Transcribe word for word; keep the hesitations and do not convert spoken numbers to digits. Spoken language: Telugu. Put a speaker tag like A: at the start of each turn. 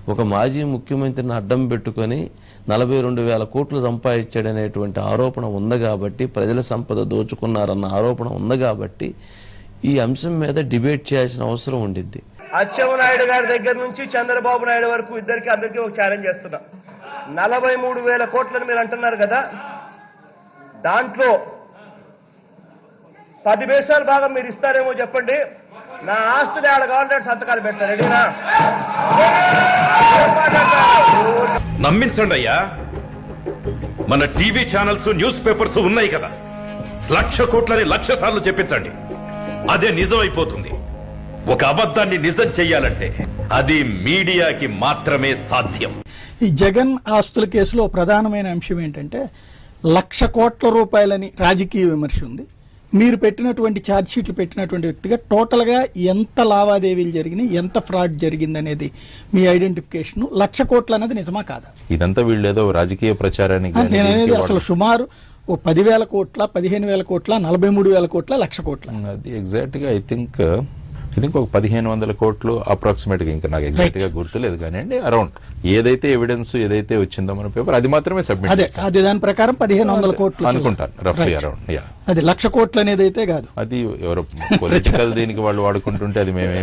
A: ఒక మాజీ ముఖ్యమంత్రిని అడ్డం పెట్టుకొని నలభై రెండు వేల కోట్లు సంపాదించాడనేటువంటి ఆరోపణ ఉంది కాబట్టి, ప్రజల సంపద దోచుకున్నారన్న ఆరోపణ ఉంది కాబట్టి ఈ అంశం మీద డిబేట్ చేయాల్సిన అవసరం ఉండిద్ది.
B: అచ్చెన్నాయుడు గారి దగ్గర నుంచి చంద్రబాబు నాయుడు వరకు ఇద్దరికి అందరికీ ఒక ఛాలెంజ్ చేస్తున్నా. నలభై మూడు వేల కోట్లని మీరు అంటున్నారు కదా, దాంట్లో పది వేసాల భాగం మీరు ఇస్తారేమో చెప్పండి. నా ఆస్తిని ఆడ కావాలంటే సంతకాలు పెడతారు. రెడీనా?
C: నమ్మించండి అయ్యా, మన టీవీ ఛానల్స్ న్యూస్ పేపర్స్ ఉన్నాయి కదా, లక్ష కోట్లని లక్ష సార్లు చెప్పించండి, అదే నిజం అయిపోతుంది. ఒక అబద్ధాన్ని నిజం చెయ్యాలంటే అది మీడియాకి మాత్రమే సాధ్యం.
D: ఈ జగన్ ఆస్తుల కేసులో ప్రధానమైన అంశం ఏంటంటే లక్ష కోట్ల రూపాయలని రాజకీయ విమర్శ ఉంది. మీరు పెట్టినటువంటి ఛార్జ్ షీట్లు పెట్టినటువంటి వ్యక్తిగా టోటల్ గా ఎంత లావాదేవీలు జరిగినాయి, ఎంత ఫ్రాడ్ జరిగింది అనేది మీ ఐడెంటిఫికేషన్. లక్ష కోట్లు అనేది నిజమా కాదా?
E: ఇదంతా వీళ్ళు ఏదో రాజకీయ ప్రచారానికి
D: నేను అనేది అసలు సుమారు ఓ పదివేల కోట్ల, పదిహేను వేల కోట్ల, నలభై మూడు వేల కోట్ల, లక్ష కోట్ల.
E: అది ఎగ్జాక్ట్ గా ఐ థింక్ ఐ థింక్ ఒక పదిహేను వందల కోట్లు అప్రాక్సిమేట్ గా, ఇంకా నాకు ఎగ్జాక్ట్ గా గుర్తులేదు కానీ అరౌండ్ ఏదైతే ఎవిడెన్స్ ఏదైతే వచ్చిందో మన పేపర్ అది మాత్రమే సబ్మిట్
D: అదే అదే దాని ప్రకారం పదిహేను వందల కోట్లు
E: అనుకుంటాను రఫ్లీ అరౌండ్. యా,
D: అది లక్ష కోట్లు అనేది అయితే కాదు.
E: అది ఎవరో పొలిటికల్ దీనికి వాళ్ళు వాడుకుంటుంటే అది మేమే